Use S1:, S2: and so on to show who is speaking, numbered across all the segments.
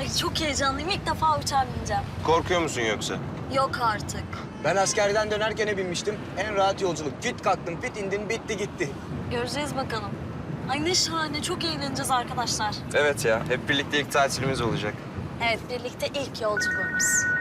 S1: Ay çok heyecanlıyım. İlk defa uçağa bineceğim.
S2: Korkuyor musun yoksa?
S1: Yok artık.
S3: Ben askerden dönerken binmiştim. En rahat yolculuk. Fit kalktım, fit indim, bitti gitti.
S1: Göreceğiz bakalım. Ay ne şahane. Çok eğleneceğiz arkadaşlar.
S2: Evet ya. Hep birlikte ilk tatilimiz olacak.
S1: Evet, birlikte ilk yolculuğumuz.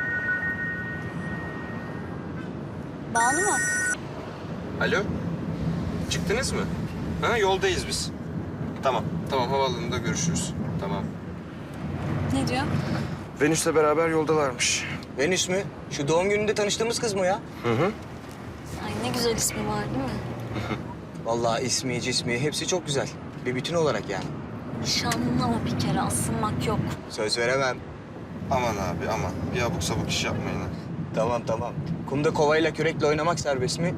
S1: Banu mu?
S2: Alo? Çıktınız mı? Ha, yoldayız biz. Tamam. Tamam, havaalanında görüşürüz. Tamam.
S1: Ne diyor?
S2: Venüs'le beraber yoldalarmış.
S3: Venüs mü? Şu doğum gününde tanıştığımız kız mı ya?
S2: Hı hı.
S1: Ay ne güzel ismi var değil mi?
S3: Vallahi ismi, cismi hepsi çok güzel. Bir bütün olarak yani.
S1: Nişanlı ama bir kere asılmak yok.
S3: Söz veremem.
S2: Aman abi aman. Bir abuk sabuk iş yapmayın ha.
S3: Tamam tamam. Kumda kovayla kürekle oynamak serbest mi?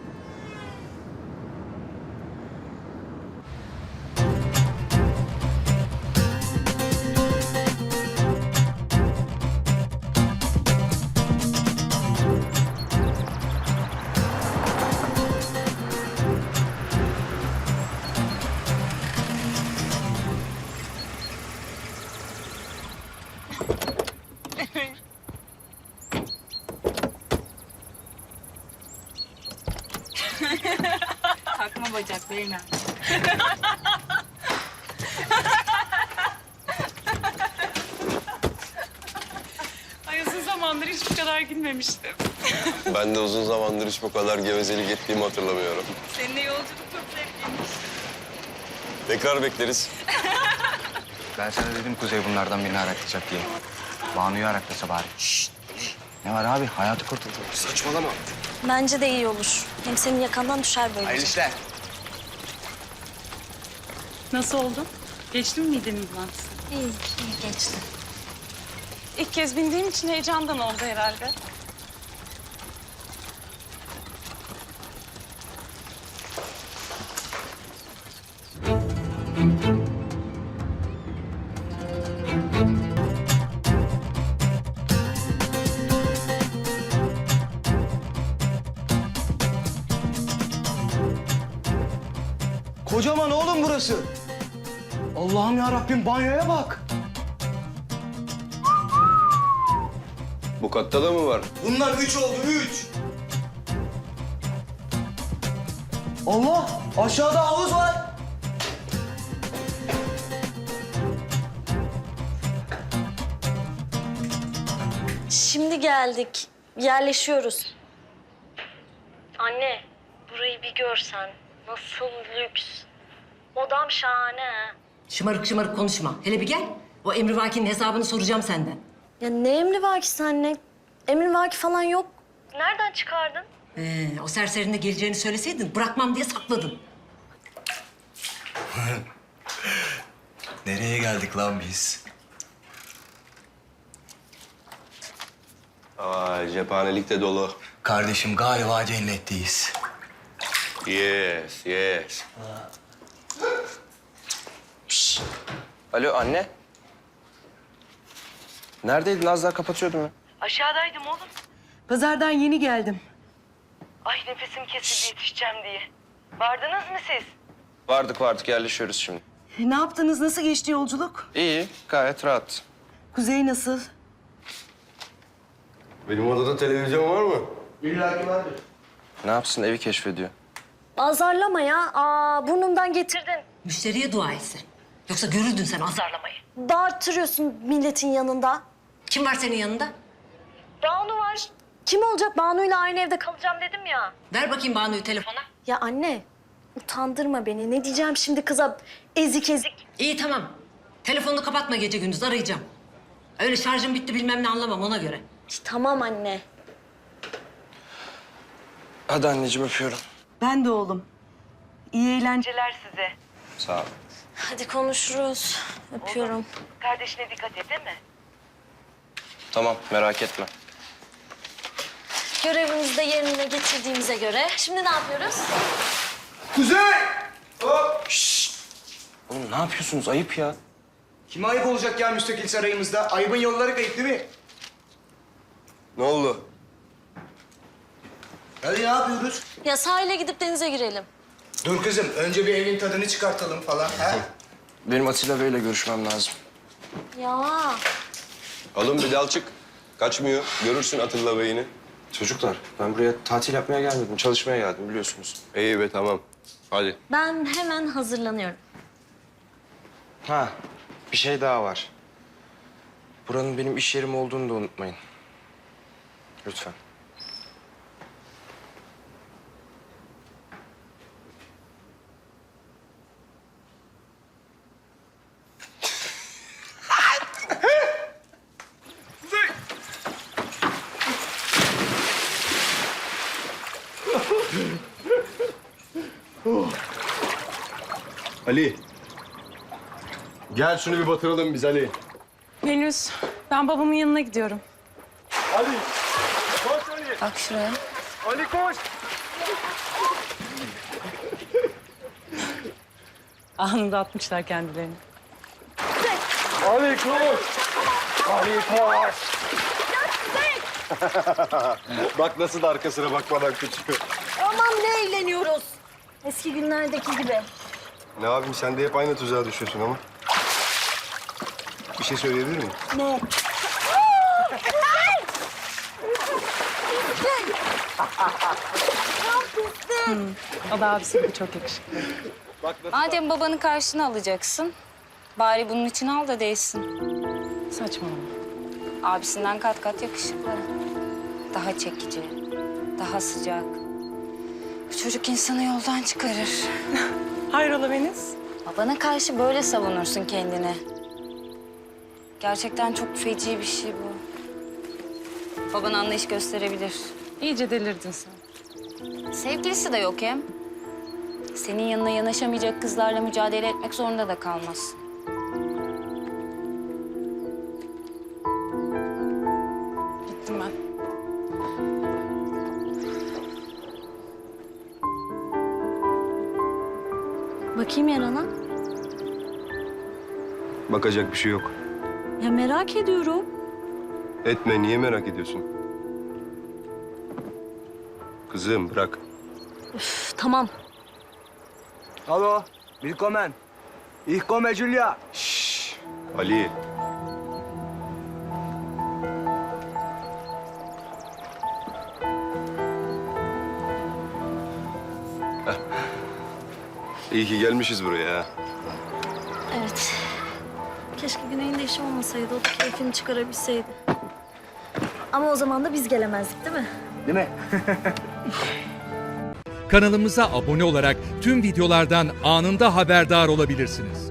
S4: Takma bacak Leyla. Ay uzun zamandır hiç bu kadar gülmemiştim.
S5: Ben de uzun zamandır hiç bu kadar gevezelik ettiğimi hatırlamıyorum.
S4: Seninle yolculuk çok zevkliymiş.
S5: Tekrar bekleriz.
S6: Ben sana dedim Kuzey bunlardan birini araklayacak diye. Banu'yu araklasa bari. Şşt! Ne var abi? Hayatı kurtuldu.
S2: Saçmalama.
S1: Bence de iyi olur. Hem senin yakandan düşer böylece.
S3: Hayırlı işler.
S4: Nasıl oldu? Geçti mi midenin bulantısı?
S1: İyi, iyi geçti.
S4: İlk kez bindiğim için heyecandan oldu herhalde.
S3: Kocaman oğlum burası. Allah'ım ya Rabbim banyoya bak.
S5: Bu katta da mı var?
S3: Bunlar 3 oldu, 3. Allah! Aşağıda havuz var.
S1: Şimdi geldik. Yerleşiyoruz. Anne, burayı bir görsen. Nasıl lüks. Odam şahane. Ha.
S7: Şımarık şımarık konuşma. Hele bir gel. O emrivaki'nin hesabını soracağım senden.
S1: Ya ne emrivaki anne? Emrivaki falan yok. Nereden çıkardın?
S7: O serserinin de geleceğini söyleseydin bırakmam diye sakladın.
S6: Nereye geldik lan biz?
S5: Vay, cephanelik de dolu.
S6: Kardeşim galiba cennetteyiz.
S5: Yes, yes.
S2: Alo anne. Neredeydin? Az daha kapatıyordum ya.
S8: Aşağıdaydım oğlum.
S7: Pazardan yeni geldim.
S8: Ay nefesim kesildi yetişeceğim diye. Vardınız mı siz?
S2: Vardık yerleşiyoruz şimdi.
S7: Ne yaptınız? Nasıl geçti yolculuk?
S2: İyi, gayet rahat.
S7: Kuzey nasıl?
S5: Benim odada televizyon var mı?
S3: İlla ki vardır.
S2: Ne yapsın? Evi keşfediyor.
S1: Azarlama ya. Burnumdan getirdin.
S7: Müşteriye dua etsin. Yoksa görürdün sen azarlamayı.
S1: Bağırtırıyorsun milletin yanında.
S7: Kim var senin yanında?
S1: Banu var. Kim olacak? Banu'yla aynı evde kalacağım dedim ya.
S7: Ver bakayım Banu'yu telefona.
S1: Ya anne, utandırma beni. Ne diyeceğim şimdi kıza ezik ezik?
S7: İyi tamam. Telefonunu kapatma gece gündüz arayacağım. Öyle şarjım bitti bilmem ne anlamam ona göre.
S1: Tamam anne.
S2: Hadi anneciğim öpüyorum.
S7: Ben de oğlum. İyi eğlenceler.
S8: Celer size.
S2: Sağ ol.
S1: Hadi konuşuruz. Öpüyorum.
S8: Kardeşine dikkat et değil mi?
S2: Tamam, merak etme.
S1: Görevimizi de yerine getirdiğimize göre şimdi ne yapıyoruz?
S3: Kuzey!
S2: Oğlum ne yapıyorsunuz? Ayıp ya.
S3: Kime ayıp olacak ya müstakil sarayımızda? Ayıbın yolları kayıp değil mi?
S5: Ne oldu?
S3: Hadi ne yapıyoruz?
S1: Ya sahile gidip denize girelim.
S3: Dur kızım, önce bir evin tadını çıkartalım falan. Ha?
S2: Benim Atilla Bey'le görüşmem lazım.
S1: Ya
S5: Oğlum bir dal çık. Kaçmıyor. Görürsün Atilla Bey'ini.
S2: Çocuklar ben buraya tatil yapmaya gelmedim. Çalışmaya geldim biliyorsunuz.
S5: İyi be tamam. Hadi.
S1: Ben hemen hazırlanıyorum.
S2: Ha bir şey daha var. Buranın benim iş yerim olduğunu da unutmayın. Lütfen.
S5: Ali. Gel şunu bir batıralım biz Ali.
S4: Venüs, ben babamın yanına gidiyorum.
S5: Ali. Koş Ali.
S4: Bak şuraya.
S5: Ali koş.
S4: Anında atmışlar kendilerini.
S5: Ali koş. Ali koş. Bak nasıl da arkasına bakmadan kaçıyor.
S1: Aman ne eğleniyoruz. Eski günlerdeki gibi.
S5: Ne yapayım sen de hep aynı tuzağa düşüyorsun ama. Bir şey söyleyebilir miyim?
S1: Ne?
S4: O da abisi gibi çok yakışıklı.
S9: Madem babanı karşına alacaksın, bari bunun için al da değsin.
S4: Saçmalama.
S9: Abisinden kat kat yakışıklı. Daha çekici, daha sıcak. Bu çocuk insanı yoldan çıkarır.
S4: Hayrola Venüs?
S9: Babana karşı böyle savunursun kendini. Gerçekten çok feci bir şey bu. Baban anlayış gösterebilir.
S4: İyice delirdin sen.
S9: Sevgilisi de yok hem. Senin yanına yanaşamayacak kızlarla mücadele etmek zorunda da kalmaz.
S4: Gittim ben.
S1: Bakayım yarana.
S5: Bakacak bir şey yok.
S1: Ya merak ediyorum.
S5: Etme niye merak ediyorsun? Kızım bırak.
S1: Üf, tamam.
S3: Hallo, willkommen. Ich komme Julia.
S5: Ali. Heh. İyi ki gelmişiz buraya. Ha.
S1: Evet. Keşke Güney'in de işi olmasaydı. O da keyfini çıkarabilseydi. Ama o zaman da biz gelemezdik değil mi?
S3: Değil mi?
S10: Kanalımıza abone olarak tüm videolardan anında haberdar olabilirsiniz.